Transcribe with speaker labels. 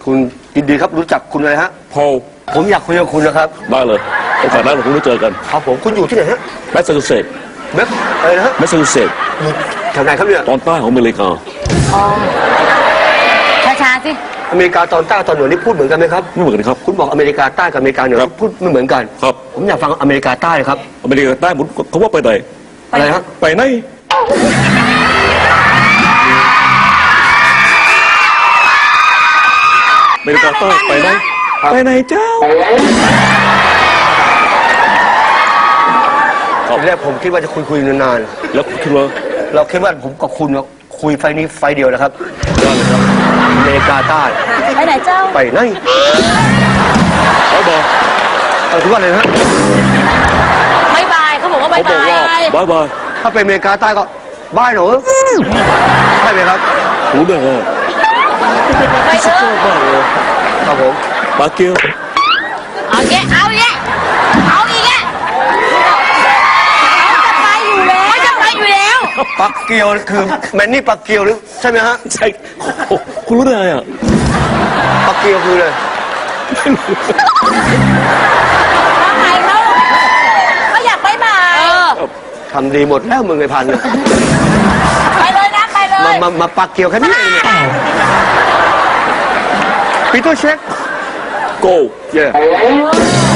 Speaker 1: คุณยินดีครับรู้จักคุณเลยฮะ
Speaker 2: พอล
Speaker 1: ผมอยากคุยกับคุณนะครับ
Speaker 2: ได้เลยโอกาสหน้าเราคงได้เจอกัน
Speaker 1: ครับผมคุณอยู่ที่ไหนฮะ
Speaker 2: แมสซาชูเซตส์
Speaker 1: เว็บอะไรนะฮะ
Speaker 2: แมสซาชูเซตส์
Speaker 1: อยู่แถวไหนครับเนี่ย
Speaker 2: ตอนใต้ของอเมริกา
Speaker 3: อ๋อช้าๆสิ
Speaker 1: อเมริกาตอนใต้ตอนเหนือนี่พูดเหมือนกันไหมครับ
Speaker 2: ไม่เหมือนกันครับ
Speaker 1: คุณบอกอเมริกาใต้กับอเมริกาเหนือ
Speaker 2: ครับ
Speaker 1: พูดไม่เหมือนกัน
Speaker 2: ครับ
Speaker 1: ผมอยากฟังอเมริกาใต้ครับ
Speaker 2: อเมริกาใต้ผมเขาว่าไปไหน
Speaker 1: อะไรฮะ
Speaker 2: ไปไหนอเมริกาใต้ไปไหน
Speaker 1: ครับ
Speaker 2: ไปไหนเจ้า
Speaker 1: ทีแรกผมคิดว่าจะคุยนาน
Speaker 2: แล้วคิดว่า
Speaker 1: ๆเราคิดว่าผมกับคุณคุยไฟนี้ไฟเดียวนะครับอเมริกาใต้
Speaker 3: ไปไหนเจ้า
Speaker 1: ไปไหน
Speaker 2: เขาบอก
Speaker 1: เอาทุกวันเลยนะฮะ
Speaker 3: บายบายเขาบอกว่าบา
Speaker 2: เขา
Speaker 3: ย
Speaker 2: บอก
Speaker 3: บาย
Speaker 2: ว่าบายบาย
Speaker 1: ถ้าเป็นอเมริกาใต้ก็บ้ายหนูใช่ไหมครับ
Speaker 2: รู้ได้ไง
Speaker 3: ไปเถอะ
Speaker 2: บ้าเลย
Speaker 1: ครับผม
Speaker 2: ปาเกียว
Speaker 3: เอาแยะเอาแยะเอาอีกแยะจะไปอยู่แล้วจะไปอยู่แล้ว
Speaker 1: ปักเกียวคือแมนนี่ปักเกียวหรือใช่ไหมฮะ
Speaker 2: ใช่โอ้คุณรู้ได้ไงอ่ะ
Speaker 1: ปักเกียวคือเลย
Speaker 3: ทำไมเขาอยากไปบ่าย
Speaker 1: ทำดีหมดแล้วมึงไอ้พันธุ์
Speaker 3: ไปเลยนะไปเลย
Speaker 1: มาปักเกียวแค่นี้เองเนี่ยปีเตอร์เช็ค
Speaker 2: โก
Speaker 1: เย่